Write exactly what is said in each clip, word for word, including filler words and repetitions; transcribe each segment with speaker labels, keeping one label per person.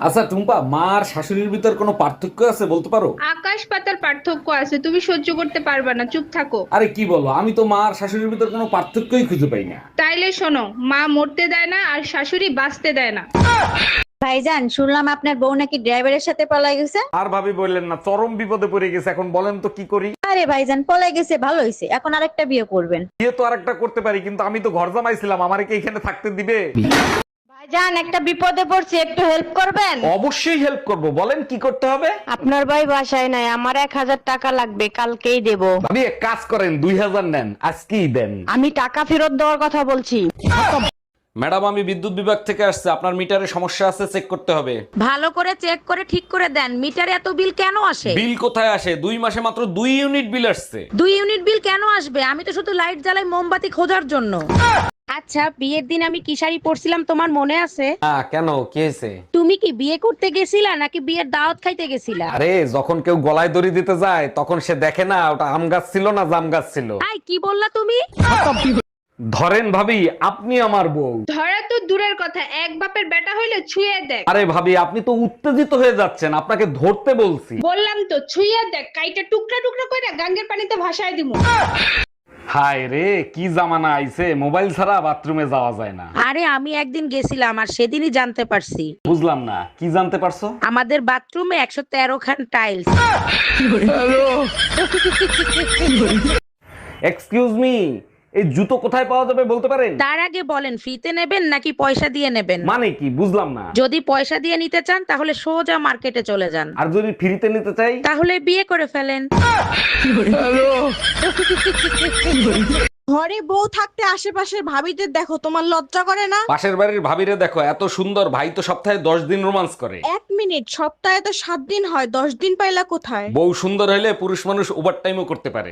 Speaker 1: আচ্ছা টুম্পা, মা আর শাশুড়ির ভিতর কোনো পার্থক্য আছে বলতে পারো?
Speaker 2: আকাশ পাতার পার্থক্য আছে, তুমি সহ্য করতে পারবে না, চুপ থাকো।
Speaker 1: আরে কি বলো, আমি তো মা আর শাশুড়ির ভিতর কোনো পার্থক্যই খুঁজে পাই না।
Speaker 2: তাইলে শোনো, মা মরতে দেয় না আর শাশুড়ি বাঁচতে দেয় না।
Speaker 3: ভাইজান, শুনলাম আপনার বউ নাকি ড্রাইভারের সাথে পলাই গেছে।
Speaker 1: আর ভাবি বললেন না, চরম বিপদে পড়ে গেছে, এখন বলেন তো কি করি?
Speaker 3: আরে ভাইজান, পলাই গেছে ভালো হয়েছে, এখন আরেকটা বিয়ে করবেন।
Speaker 1: বিয়ে তো আরেকটা করতে পারি, কিন্তু আমি তো ঘর জামাইছিলাম, আমারে কি এখানে থাকতে দিবে?
Speaker 3: ভাইজান, একটা বিপদে পড়ছি, একটু হেল্প করবেন?
Speaker 1: অবশ্যই হেল্প করব, বলেন কি করতে হবে।
Speaker 3: আপনার ভাই বাসায় নাই, আমার এক হাজার টাকা লাগবে, কালকেই দেব।
Speaker 1: ভাবি এক কাজ করেন, দুই হাজার নেন, আজকেই দেন।
Speaker 3: আমি টাকা ফেরত দেওয়ার কথা বলছি।
Speaker 1: ম্যাডাম, আমি বিদ্যুৎ বিভাগ থেকে আসছে, আপনার মিটারে সমস্যা আছে, চেক করতে হবে।
Speaker 4: ভালো করে চেক করে ঠিক করে দেন, মিটারে এত বিল কেন আসে?
Speaker 1: বিল কোথায় আসে, দুই মাসে মাত্র দুই ইউনিট বিল আসছে।
Speaker 4: দুই ইউনিট বিল কেন আসবে? আমি তো শুধু লাইট জ্বালাই মোমবাতি খোঁজার জন্য। আচ্ছা, বিয়ের দিন আমি কি শাড়ি পরছিলাম তোমার মনে আছে?
Speaker 1: হ্যাঁ, কেন, কি হয়েছে?
Speaker 4: তুমি কি বিয়ে করতে গেছিলা নাকি বিয়ের দাওয়াত খাইতে গেছিলা?
Speaker 1: আরে যখন কেউ গলায় দড়ি দিতে যায়, তখন সে দেখে না ওটা আম গাছ ছিল না জাম গাছ ছিল।
Speaker 4: আই কি বললা তুমি?
Speaker 1: ধরেন ভাবি, আপনি আমার বউ।
Speaker 2: ধরা তো দূরের কথা, এক বাপের বেটা হইলে ছুঁয়ে দেখ।
Speaker 1: আরে ভাবি, আপনি তো উত্তেজিত হয়ে যাচ্ছেন, আপনাকে ধরতে বলছি।
Speaker 2: বললাম তো ছুঁয়ে দেখ, কাইটা টুকরা টুকরা করে গাঙ্গের পানিতে ভাসায় দিমু।
Speaker 1: হায় রে, কি জামানা আইছে, মোবাইল ছাড়া বাথরুমে যাওয়া যায় না।
Speaker 4: আরে আমি একদিন গেছিলাম আর সেদিনই জানতে পারছি
Speaker 1: বুঝলাম না, কি জানতে পারছো?
Speaker 4: আমাদের বাথরুমে একশো তেরো খান টাইলস।
Speaker 1: এক্সকিউজ মি, এই জুতো কোথায় পাওয়া যাবে বলতে পারেন?
Speaker 4: তার আগে বলেন, ফ্রিতে নেবেন নাকি পয়সা দিয়ে নেবেন?
Speaker 1: মানে কি, বুঝলাম না।
Speaker 4: যদি পয়সা দিয়ে নিতে চান তাহলে সোজা মার্কেটে চলে যান,
Speaker 1: আর যদি ফ্রিতে নিতে চাই?
Speaker 4: তাহলে বিয়ে করে ফেলেন।
Speaker 5: ঘরে বউ থাকতে আশেপাশের ভাবিদের দেখো, তোমার লজ্জা করে না?
Speaker 1: পাশের বাড়ির ভাবিরে দেখো, এত সুন্দর, ভাই তো সপ্তাহে দশ দিন রোমান্স করে।
Speaker 5: এক মিনিট, সপ্তাহে তো সাত দিন হয়, দশ দিন পাইলা কোথায়?
Speaker 1: বউ সুন্দর হলে পুরুষ মানুষ ওভার টাইমও করতে পারে।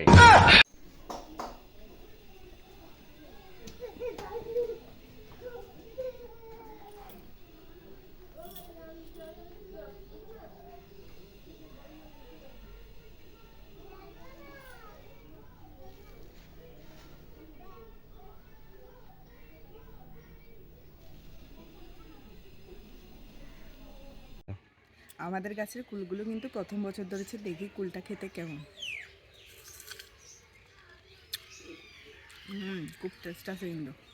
Speaker 6: আমাদের গাছের কুলগুলো কিন্তু প্রথম বছর ধরেছে, দেখি কুলটা খেতে কেমন। হুম, খুব টেস্ট আছে কিন্তু।